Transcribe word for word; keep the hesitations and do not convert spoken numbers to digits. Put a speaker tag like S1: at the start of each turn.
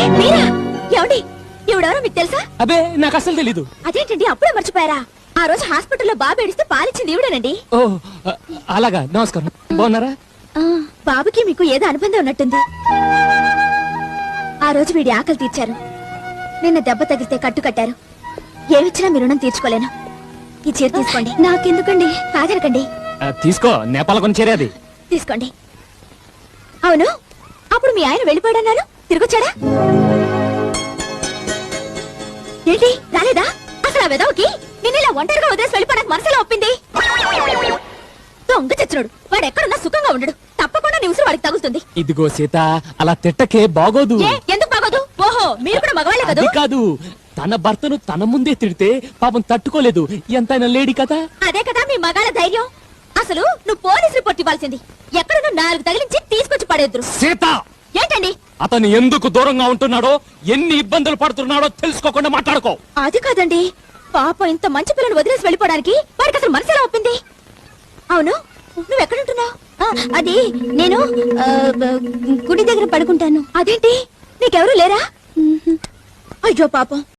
S1: మీరా? ఏమండి ఎవడెవరో మీకు తెలుసా?
S2: అబే నాకు అసలు తెలీదు.
S1: అదేంటండి అప్పుడే మర్చిపోయారా? ఆ రోజు హాస్పిటల్లో బాబు ఏడిస్తే పాలిచ్చింది ఈవిడేనండి.
S2: ఓ అలాగా, నమస్కారం. బాగున్నారా?
S1: బాబుకి మీకు ఏదో అనుబంధం ఉన్నట్టుంది. ఆ రోజు వీడి ఆకలి తీర్చారు, నిన్న దెబ్బ తగిలితే కట్టు కట్టారు. ఏమిచ్చినా మీ రుణం తీర్చుకోలేను. ఈ చీర తీసుకోండి. నాకెందుకండి? కాదనకండి.
S2: తీసుకో, నేపాల కొని చేరేది.
S1: తీసుకోండి. అవును, అప్పుడు మీ ఆయన వెళ్ళిపోయాడన్నారు, తిరిగొచ్చాడా? ఏంటి రాలేదా? అసలు ఆ వెదవకి నిన్నలా ఒంటరిగా వదిలేసి వెళ్ళిపోవడానికి మనసులో ఒప్పింది. దొంగ చచ్చినోడు, వాడు ఎక్కడున్నా సుఖంగా ఉండడు. తప్పకుండా నీ ఉసురు వాడికి తగులుతుంది.
S2: ఇదిగో సీత, అలా తిట్టకే, బాగోదు.
S1: ఎందుకు బాగోదు? ఓహో, మీరు కూడా మగవాళ్ళే కదా?
S2: కాదు, తన భర్తను తన ముందే తిడితే పాపం తట్టుకోలేదు. ఎంతైనా లేడీ కదా.
S1: అదే కదా మీ మగాళ్ళ ధైర్యం. అసలు నువ్వు పోలీస్ రిపోర్ట్ ఇవ్వాల్సింది. ఎక్కడున్నా నాలుగు తగిలించి తీసుకొచ్చి పడేద్దురు.
S2: సీత,
S1: ఏంటండి?
S2: అతను ఎందుకు దూరంగా ఉంటున్నాడో, ఎన్ని ఇబ్బందులు పడుతున్నాడో తెలుసుకోకుండా మాట్లాడుకో.
S1: అది కాదండి, పాప ఇంత మంచి పిల్లని వదిలేసి వెళ్ళిపోవడానికి వాడికి అసలు మనసు ఎలా ఒప్పింది? అవును, నువ్వు ఎక్కడుంటున్నావు? అది నేను గుడి దగ్గర పడుకుంటాను. అదేంటి, నీకెవరూ లేరా? అయ్యో పాపం,